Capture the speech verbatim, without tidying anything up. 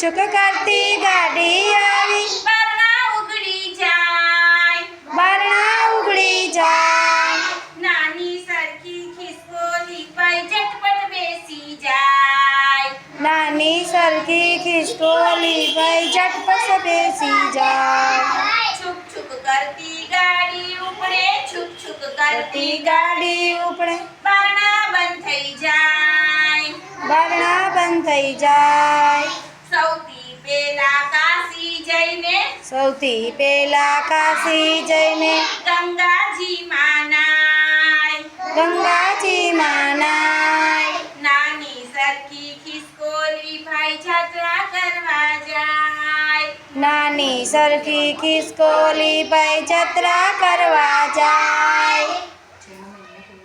છુક કરતી ગાડી આવી, બારણા ઉઘડી જાય, બારણા ઉઘડી જાય, નાની સરખી ખિસકોલી પાઈ ઝટપટ બેસી જાય, નાની સરખી ખિસકોલી ભાઈ ઝટપટ બેસી જાય, છુક છુક કરતી ગાડી ઉપડે, છુક છુક કરતી કરતી ગાડી ઉપડે, બારણા બંધ થઈ જાય, બારણા બંધ થઈ જાય, સૌથી પેલા કાશી જઈને, સૌથી પેલા કાશી જઈને ગંગાજી માનાય, ગંગાજી માનાય, નાની સરખી ખિસકોલી ભાઈ જાત્રા કરવા જાય, નાની સરખી ખિસકોલી ભાઈ જત્રા કરવા જાય,